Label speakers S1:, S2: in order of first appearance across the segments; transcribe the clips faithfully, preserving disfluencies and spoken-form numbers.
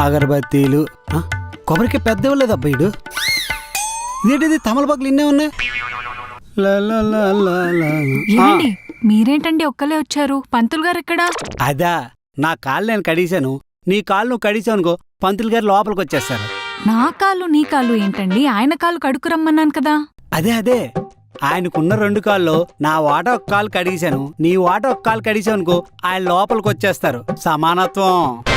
S1: అగరబత్తీలు కొబ్బరికి పెద్ద ఇవ్వలేదు అబ్బాయిడు. ఇదేంటిది తమలపాకులు ఇన్నే ఉన్నాయి.
S2: ఏమండి మీరేంటండి ఒక్కలే వచ్చారు? పంతులు గారు ఎక్కడా?
S1: అదా నా కాళ్ళు నేను కడిగాను, నీ కాళ్ళు నువ్వు కడిగావు అనుకో పంతులు గారు లోపలికి వచ్చేస్తారు.
S2: నా కాళ్ళు నీ కాళ్ళు ఏంటండి? ఆయన కాళ్ళు కడుకు రమ్మన్నాను కదా.
S1: అదే అదే ఆయనకున్న రెండు కాళ్ళు నా వాట ఒక కాలు కడిగాను, నీ వాట ఒక కాలు కడిగావు అనుకో ఆయన లోపలికి వచ్చేస్తారు. సమానత్వం.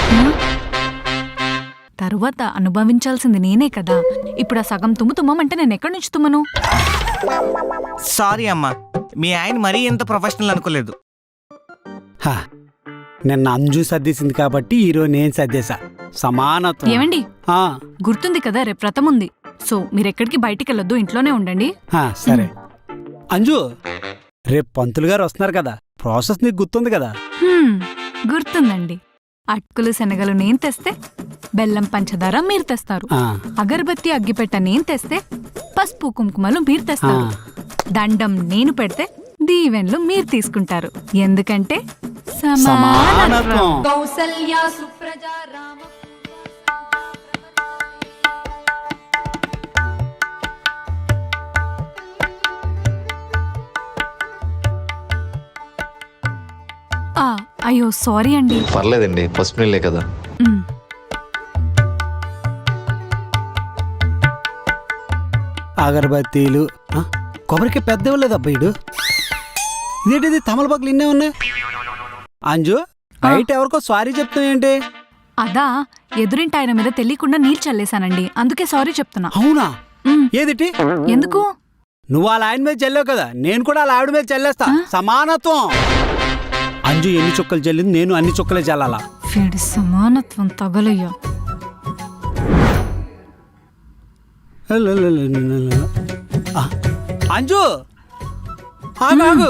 S2: తరువాత అనుభవించాల్సింది నేనే కదా. ఇప్పుడు ఆ సగం తుమ్ము తుమ్మంటే నేను ఎక్కడి నుంచి తుమ్మను?
S3: సారీ అమ్మా, మీ ఆయన మరీ ఇంత ప్రొఫెషనల్ అనుకోలేదు.
S1: నిన్న అంజు సర్దేసింది కాబట్టి ఈరోజు నేను సర్దేశా. సమానత్వం.
S2: ఏమండి గుర్తుంది కదా రేపు వ్రతం ఉంది, సో మీరెక్కడికి బయటికి వెళ్ళొద్దు, ఇంట్లోనే ఉండండి.
S1: సరే అంజు, రేపు పంతులు గారు వస్తున్నారు కదా, ప్రాసెస్ నీకు గుర్తుంది కదా?
S2: గుర్తుందండి. అటుకులు శనగలు నేను తెస్తే బెల్లం పంచదార మీరు తెస్తారు, అగరబత్తి అగ్గిపెట్ట నేను తెస్తే పసుపు కుంకుమలు మీరు తెస్తారు, దండం నేను పెడితే దీవెన్లు మీరు తీసుకుంటారు. ఎందుకంటే
S1: సమానత్వం.
S2: కౌసల్యా సుప్రజా రామ. అయ్యో సారీ అండి.
S4: పర్లేదండి, ఫస్ట్ నీళ్ళే కదా.
S1: అగరబత్తీలు కొబ్బరికి పెద్ద ఇవ్వలేదు అబ్బాయిడు. ఇదేంటిది తమలపాకులు ఇన్నే ఉన్నాయి. అంజు బయట ఎవరికో సారీ చెప్తావు ఏంటి?
S2: అదా ఎదురింటి ఆయన మీద తెలియకుండా నీళ్ళు చల్లేశానండి, అందుకే సారీ చెప్తున్నా.
S1: అవునా? ఏదిటి?
S2: ఎందుకు?
S1: నువ్వు వాళ్ళ ఆయన మీద చల్లావు కదా, నేను కూడా వాళ్ళ ఆవిడ మీద చల్లేస్తా. సమానత్వం. అంజు ఎన్ని చుక్కలు చల్లింది, నేను అన్ని చుక్కలే చల్లాలా.
S2: వీడి సమానత్వం తగలయ్యా.
S1: అంజు ఆగు.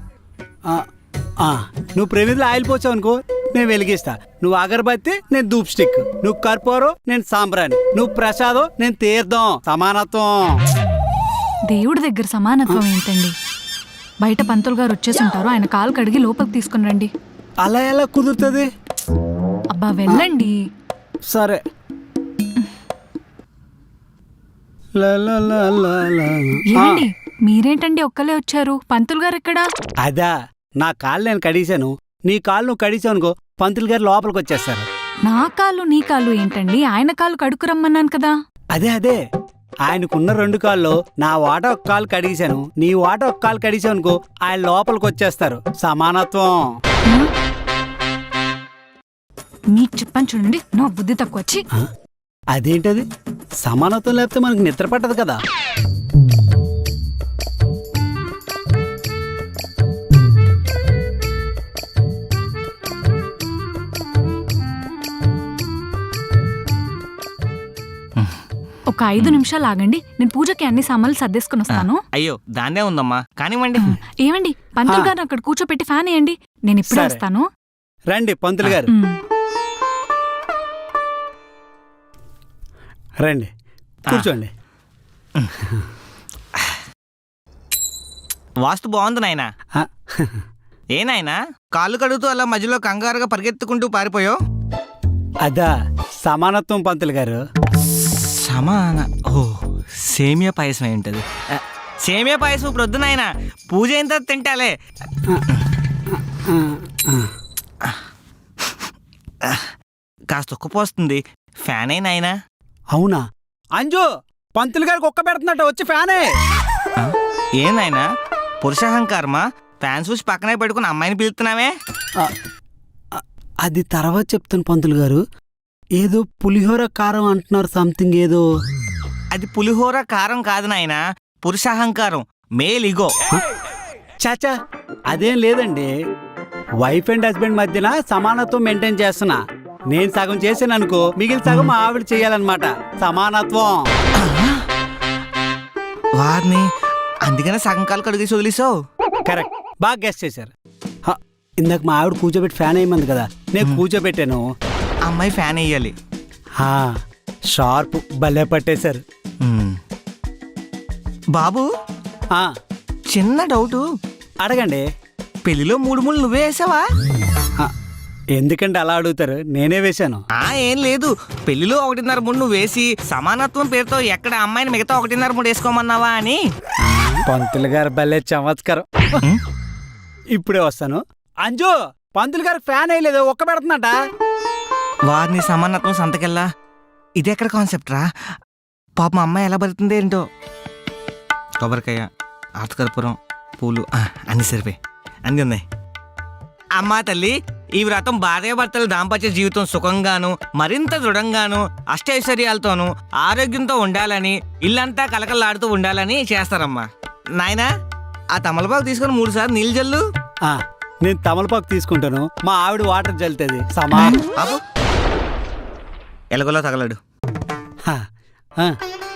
S1: నువ్వు ప్రేమిలో ఆయిల్ పోచావు అనుకో నేను వెలిగిస్తా, నువ్వు అగరబత్తి నేను ధూప్ స్టిక్, నువ్వు కర్పూరం నేను సాంబ్రాణి, నువ్వు ప్రసాదం నేను తీర్థం. సమానత్వం.
S2: దేవుడి దగ్గర సమానత్వం ఏంటండి? బయట పంతులు గారు వచ్చేసి ఉంటారు, ఆయన కాలు కడిగి లోపలికి తీసుకుని రండి.
S1: అలా ఎలా కుదురుతుంది?
S2: అబ్బా వెళ్ళండి.
S1: సరే.
S2: ఏమండి మీరేంటండి ఒక్కలే వచ్చారు? పంతులు గారు ఎక్కడా?
S1: అదా నా కాళ్ళు నేను కడిగాను, నీ కాళ్ళు నువ్వు కడిగావు అనుకో పంతులు గారు లోపలికి వచ్చేస్తారు.
S2: నా కాళ్ళు నీ కాళ్ళు ఏంటండి? ఆయన కాళ్ళు కడుకు రమ్మన్నాను కదా.
S1: అదే అదే ఆయనకున్న రెండు కాళ్ళు నా వాట ఒక కాలు కడిగాను, నీ వాట ఒక కాలు కడిగావు అనుకో ఆయన లోపలికి వచ్చేస్తారు. సమానత్వం.
S2: మీకు చెప్పని చూడండి, నా బుద్ధి తక్కువ వచ్చి.
S1: అదేంటది? సమానత్వం లేకపోతే మనకు నిద్ర పట్టదు కదా.
S2: ఒక ఐదు నిమిషాలు ఆగండి, నేను పూజకి అన్ని సామాన్లు సర్దేసుకుని వస్తాను.
S3: అయ్యో దాన్నే ఉందమ్మా, కానివ్వండి.
S2: ఏమండి పంతులు గారు అక్కడ కూర్చోపెట్టి ఫ్యాన్ వేయండి, నేను ఇప్పుడే వస్తాను.
S1: రండి పంతులు గారు, రండి కూర్చోండి.
S3: వాస్తు బాగుంది నాయనా. ఏ నాయనా కాళ్ళు కడుగుతూ అలా మధ్యలో కంగారుగా పరిగెత్తుకుంటూ పారిపోయావు?
S1: అదా సమానత్వం పంతులు గారు.
S3: సమాన ఓ సేమియా పాయసం అయి ఉంటుంది. సేమియా పాయసం ఇప్పుడు వద్దు నాయనా, పూజ అయిన తర్వాత తింటాలే. కాస్త ఉక్కపోస్తుంది, ఫ్యాన్ అయి నాయనా.
S1: అవునా? అంజు పంతులు గారికి ఒక్క పెడుతున్నట్ట వచ్చి ఫ్యానే.
S3: ఏం నాయనా పురుషాహంకారమా? ఫ్యాన్ చూసి పక్కనే పెట్టుకుని అమ్మాయిని పిలుస్తున్నావే?
S1: అది తర్వాత చెప్తాను పంతులు గారు. ఏదో పులిహోర కారం అంటున్నారు, సంథింగ్ ఏదో.
S3: అది పులిహోర కారం కాదు నాయనా, పురుషాహంకారం, మేల్ ఇగో.
S1: చాచా అదేం లేదండి, వైఫ్ అండ్ హస్బెండ్ మధ్యన సమానత్వం మెయింటైన్ చేస్తున్నా. నేను సగం చేసాను అనుకో మిగిలిన సగం మా ఆవిడ చెయ్యాలన్నమాట. సమానత్వం.
S3: వారిని అందుకనే సగం కాలు కడిగేసి వదిలేసావు.
S1: కరెక్ట్, బాగా గెస్ చేశారు. ఇందాక మా ఆవిడ కూర్చోబెట్టి ఫ్యాన్ వేయమంది కదా, నేను కూర్చోబెట్టాను.
S3: అమ్మాయి ఫ్యాన్ వేయాలి.
S1: షార్ప్ భలే పట్టేశారు.
S3: బాబు చిన్న డౌటు
S1: అడగండి.
S3: పెళ్లిలో మూడు ముళ్ళు నువ్వే వేసావా?
S1: ఎందుకంటే అలా అడుగుతారు, నేనే వేశాను.
S3: ఆ ఏం లేదు, పెళ్లిలో ఒకటిన్నర మూడు నువ్వు వేసి సమానత్వం పేరుతో ఎక్కడ అమ్మాయిని మిగతా ఒకటిన్నర మూడు వేసుకోమన్నావా అని.
S1: పంతులు గారు భలే చమత్కారం. ఇప్పుడే వస్తాను. అంజు, పంతులు గారు ఫ్యాన్ వేయలేదు, ఒక్క పెడుతుందట.
S3: వారిని సమానత్వం సంతకెళ్ళా, ఇదెక్కడ కాన్సెప్ట్ రా? పాప మా అమ్మాయి ఎలా బతుకుతుంది ఏంటో. కొబ్బరికాయ, ఆతకర్పూరం, పూలు ఆ, అన్ని సరిపోయి అన్నీ ఉన్నాయి. అమ్మా తల్లి, ఈ వ్రతం భార్యాభర్తల దాంపత్య జీవితం సుఖంగాను మరింత దృఢంగాను అష్టైశ్వర్యాలతోనూ ఆరోగ్యంతో ఉండాలని, ఇల్లంతా కలకలాడుతూ ఉండాలని చేస్తారమ్మా. నాయనా, ఆ తమలపాకు తీసుకొని మూడు సార్లు నీళ్ళు జల్లు.
S1: ఆ, నేను తమలపాకు తీసుకుంటాను, మా ఆవిడ వాటర్ జల్లుతుంది. సమా
S3: ఆపు, ఎలగలో తగలడు.
S1: హా, ఆ.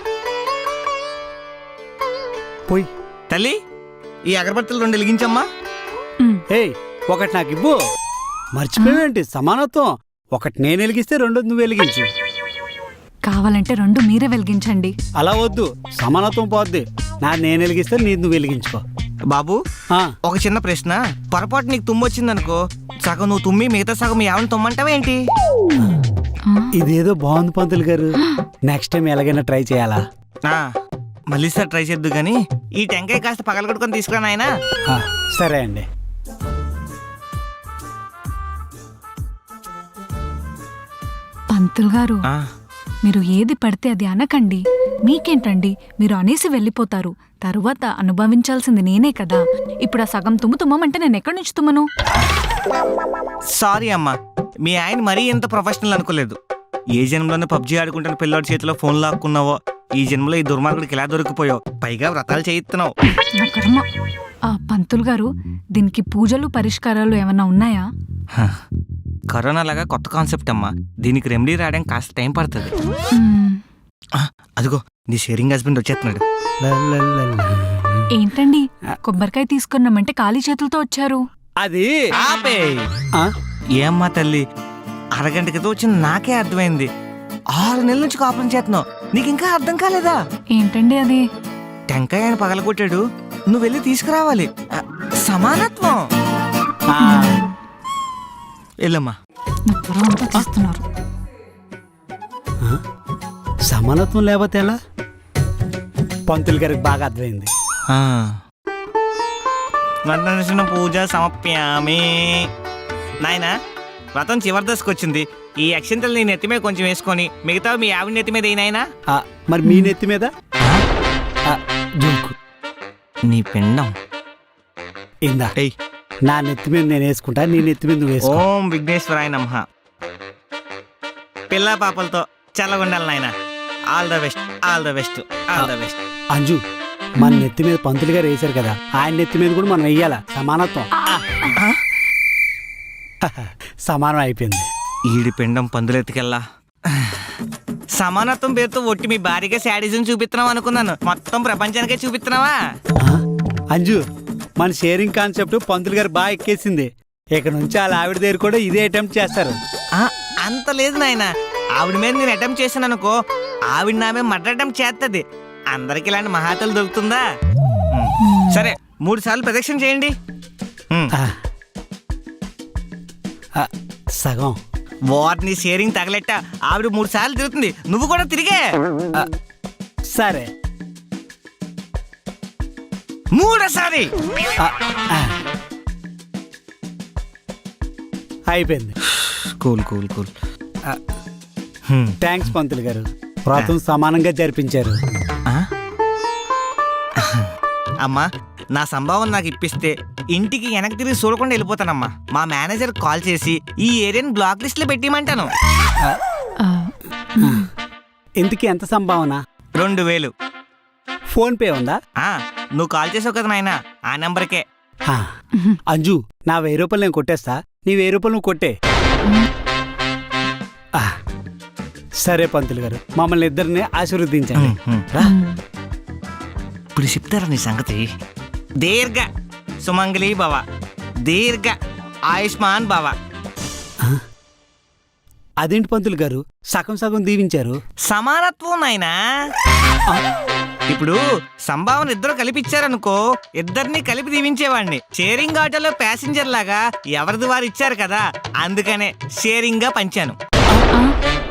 S1: పోయి
S3: తల్లి, ఈ అగరబత్తులు రెండు వెలిగించమ్మా.
S1: ఏయ్, ఒకటి నాకు ఇవ్వు. మర్చిపోయేంటి సమానత్వం? ఒకటి నేను వెలిగిస్తే రెండు నువ్వు వెలిగించు.
S2: కావాలంటే రెండు మీరే వెలిగించండి.
S1: అలా వద్దు, సమానత్వం పోద్ది. నా నేను వెలిగిస్తే నీ నువ్వు వెలిగించుకో.
S3: బాబు,
S1: ఆ,
S3: ఒక చిన్న ప్రశ్న. పొరపాటు నీకు తుమ్ము వచ్చిందనుకో, సగం నువ్వు తుమ్మి మిగతా సగం ఎవరిని తుమ్మంటావా ఏంటి?
S1: ఇదేదో బాగుంది పంతులు గారు, నెక్స్ట్ టైం ఎలాగైనా ట్రై చేయాలా?
S3: ఆ, మళ్ళీ సార్ ట్రై చేద్దు గాని ఈ టెంకాయ కాస్త పగలగొట్టుకొని తీసుకురా నాయనా.
S1: ఆ, సరే అండి.
S2: పంతులు గారు,
S3: ఆ,
S2: మీరు ఏది పడితే అది అనకండి. మీకేంటండి, మీరు అనేసి వెళ్ళిపోతారు. తరువాత అనుభవించాల్సింది నేనే కదా. ఇప్పుడు ఆ సగం తుమ్ము తుమ్మంటే నేను ఎక్కడి నుంచి తుమ్మను?
S3: సారీ అమ్మా, మీ ఆయన మరీ ఎంత ప్రొఫెషనల్ అనుకోలేదు. ఏ జన్మలోనే పబ్జీ ఆడుకుంటున్న పిల్లోడి చేతిలో ఫోన్ లాక్కున్నావో, ఈ జన్మలో ఈ దుర్మార్గుడికి ఎలా దొరికిపోయావు. పైగా వ్రతాలు చేయిస్తున్నావు.
S2: నా కర్మ. ఆ పంతులు గారు, దీనికి పూజలు పరిష్కారాలు ఏమన్నా ఉన్నాయా?
S3: హ, కరోనా లాగా కొత్త కాన్సెప్ట్ అమ్మా, దీనికి రెమెడీ రావడానికి కాస్త టైం పడుతుంది.
S2: మ్మ్.
S3: ఆ, అదిగో నీ షేరింగ్ హస్బెండ్ వచ్చేస్తున్నాడు.
S1: లలలల.
S2: ఏంటండి, కొబ్బరికాయ తీసుకున్నామంటే ఖాళీ చేతులతో వచ్చారు?
S1: అది
S3: ఆపే.
S1: ఆ,
S3: ఏమ్మా తల్లి, అరగంట క్రితం వచ్చింది నాకే అర్థమైంది. ఆరు నెలల నుంచి కాపురం చేస్తున్నావు, నీకు ఇంకా అర్థం కాలేదా?
S2: ఏంటండి అది?
S3: టెంకాయ ఆయన పగలగొట్టాడు, నువ్వు వెళ్ళి తీసుకురావాలి. ఆ, సమానత్వం.
S1: ఆ,
S3: వెళ్ళమ్మా.
S2: నా త్వర అంతా చేస్తున్నారు.
S1: ఆ, సమానత్వం లేకపోతే ఎలా? పంతులు గారికి బాగా అర్థమైంది.
S3: వర్ణన పూజ సమప్యామి. నాయనా, వ్రతం చివరి దశకు వచ్చింది. ఈ అక్షంతలు నీ నెత్తి మీద కొంచెం వేసుకొని మిగతా మీ ఆవిడ నెత్తి మీద ఏనాయనా.
S1: ఆ, మరి మీ నెత్తి మీద ఆ, జోకు.
S3: నీ పిండం
S1: ఇందా,
S3: ఏయ్.
S1: నా నెత్తి మీద నేను వేసుకుంటా, నీ నెత్తి మీద నువ్వు వేసుకో.
S3: ఓం విఘ్నేశ్వరాయ నమః. పిల్ల పాపలతో చల్లగుండాలి నాయన. All the best, all the best, all the best.
S1: Anju, మన నెత్తి మీద పంతులు గారు వేశారు కదా, ఆయన నెత్తి మీద కూడా మనం వెయ్యాలా సమానత్వం.
S3: ఆ?
S1: సమానం అయిపోయింది.
S3: ఈడి పిండం పందులెత్తికెళ్ళా. సమానత్వం పేరుతో ఒట్టి మీ భారీగా శాడిజం చూపిస్తున్నావు అనుకున్నాను, మొత్తం ప్రపంచానికే చూపిస్తున్నావా?
S1: ఆ, అంజు, మన షేరింగ్ కాన్సెప్ట్ పంతులు గారు బాగా ఎక్కేసింది. ఇక నుంచి వాళ్ళ ఆవిడ దగ్గర కూడా ఇదే అటెంప్ట్ చేస్తారు.
S3: ఆ, అంత లేదు నాయన. ఆవిడ మీద నేను అటెంప్ట్ చేశాను అనుకో, ఆవిడ నా మీద మర్డర్ అటెంప్ట్ చేస్తుంది. అందరికి ఇలాంటి మహాతలు దొరుకుతుందా? ఉమ్. సరే, మూడు సార్లు ప్రదక్షిణ చేయండి. ఉమ్.
S1: ఆ, ఆ, సగం.
S3: వారిని షేరింగ్ తగలెట్ట ఆవిడ మూడు సార్లు తిరుగుతుంది, నువ్వు కూడా తిరిగే.
S1: ఆ, సరే.
S3: మూడోసారి.
S1: ఆ, ఆ. అయిపోయింది.
S3: Cool cool cool.
S1: ఆ, థ్యాంక్స్ పంతులు గారు, వ్రతం సమానంగా జరిపించారు.
S3: అమ్మా, నా సంభావన నాకు ఇప్పిస్తే ఇంటికి వెనక్కి తిరిగి చూడకుండా వెళ్ళిపోతానమ్మా. మా మేనేజర్ కాల్ చేసి ఈ ఏరియాని బ్లాక్ లిస్ట్ లో పెట్టిమంటాను.
S1: ఆ,
S2: ఆ,
S1: ఇంతకీ ఎంత సంభావన?
S3: రెండు వేలు.
S1: ఫోన్ పే ఉందా?
S3: ఆ, నువ్వు కాల్ చేసావు కదా నాయన, ఆ నెంబర్కే.
S1: ఆ, అంజు, నా వెయ్యి రూపాయలు నేను కొట్టేస్తా, నీ వెయ్యి రూపాయలు నువ్వు కొట్టే. ఆ, సరే పంతులు గారు, మమ్మల్ని ఇద్దరిని ఆశీర్వదించండి.
S3: రా, ఇప్పుడు చెప్తారా నీ సంగతి. దీర్ఘ సుమంగళి భవ, దీర్ఘ ఆయుష్మాన్ భవ.
S1: అదేంటి పంతులు గారు, సగం సగం దీవించారు?
S3: సమానత్వం నాయనా.
S1: ఆ,
S3: ఇప్పుడు సంభావన ఇద్దరు కలిపి ఇచ్చారనుకో, ఇద్దరిని కలిపి దీవించేవాడిని. షేరింగ్ ఆటోలో ప్యాసింజర్ లాగా ఎవరిది వారు ఇచ్చారు కదా, అందుకనే షేరింగ్ గా పంచాను.
S2: ఆ,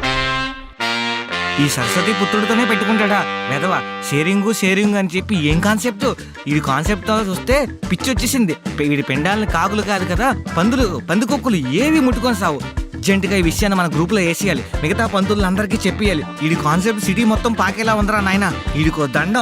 S3: ఈ సరస్వతి పుత్రుడితోనే పెట్టుకుంటాడా వెధవా? షేరింగు షేరింగ్ అని చెప్పి ఏం కాన్సెప్ట్? ఈ కాన్సెప్ట్ చూస్తే పిచ్చి వచ్చేసింది. వీడి పెండాలని కాకులు కాదు కదా, పందులు పందికొక్కులు ఏవి ముట్టుకొని సావు. అర్జెంటుగా ఈ విషయాన్ని మన గ్రూప్ లో వేసేయాలి, మిగతా పంతులందరికీ చెప్పేయాలి. ఈ కాన్సెప్ట్ సిటీ మొత్తం పాకేలా ఉందరా నాయన. వీడికో దండం.